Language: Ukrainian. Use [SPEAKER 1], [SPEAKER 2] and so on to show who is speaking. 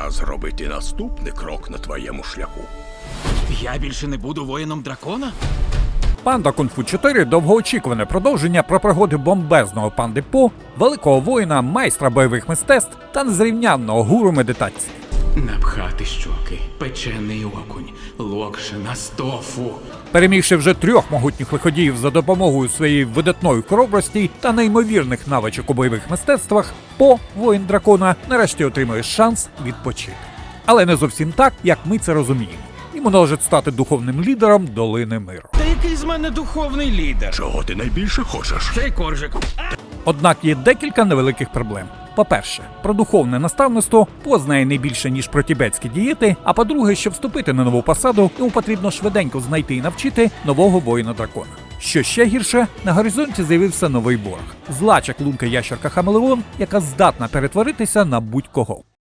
[SPEAKER 1] Пора зробити наступний крок на твоєму шляху.
[SPEAKER 2] Я більше не буду воїном дракона?
[SPEAKER 3] Панда Кунг-фу 4 – довгоочікуване продовження про пригоди бомбезного панди По, великого воїна, майстра бойових мистецтв та незрівнянного гуру медитації.
[SPEAKER 2] Напхати щоки, печений окунь, локшина з тофу.
[SPEAKER 3] Перемігши вже 3 могутніх лиходіїв за допомогою своєї видатної хоробрості та неймовірних навичок у бойових мистецтвах, По, воїн дракона, нарешті отримує шанс відпочити. Але не зовсім так, як ми це розуміємо. Йому належить стати духовним лідером Долини Миру.
[SPEAKER 2] Та який з мене духовний лідер?
[SPEAKER 1] Чого ти найбільше хочеш?
[SPEAKER 2] Цей коржик.
[SPEAKER 3] Однак є декілька невеликих проблем. По-перше, про духовне наставництво По знає не більше, ніж про тібетські дієти, а по-друге, щоб вступити на нову посаду, йому потрібно швиденько знайти і навчити нового воїна-дракона. Що ще гірше, на горизонті з'явився новий ворог – зла чаклунка ящерка Хамелеон, яка здатна перетворитися на будь-кого.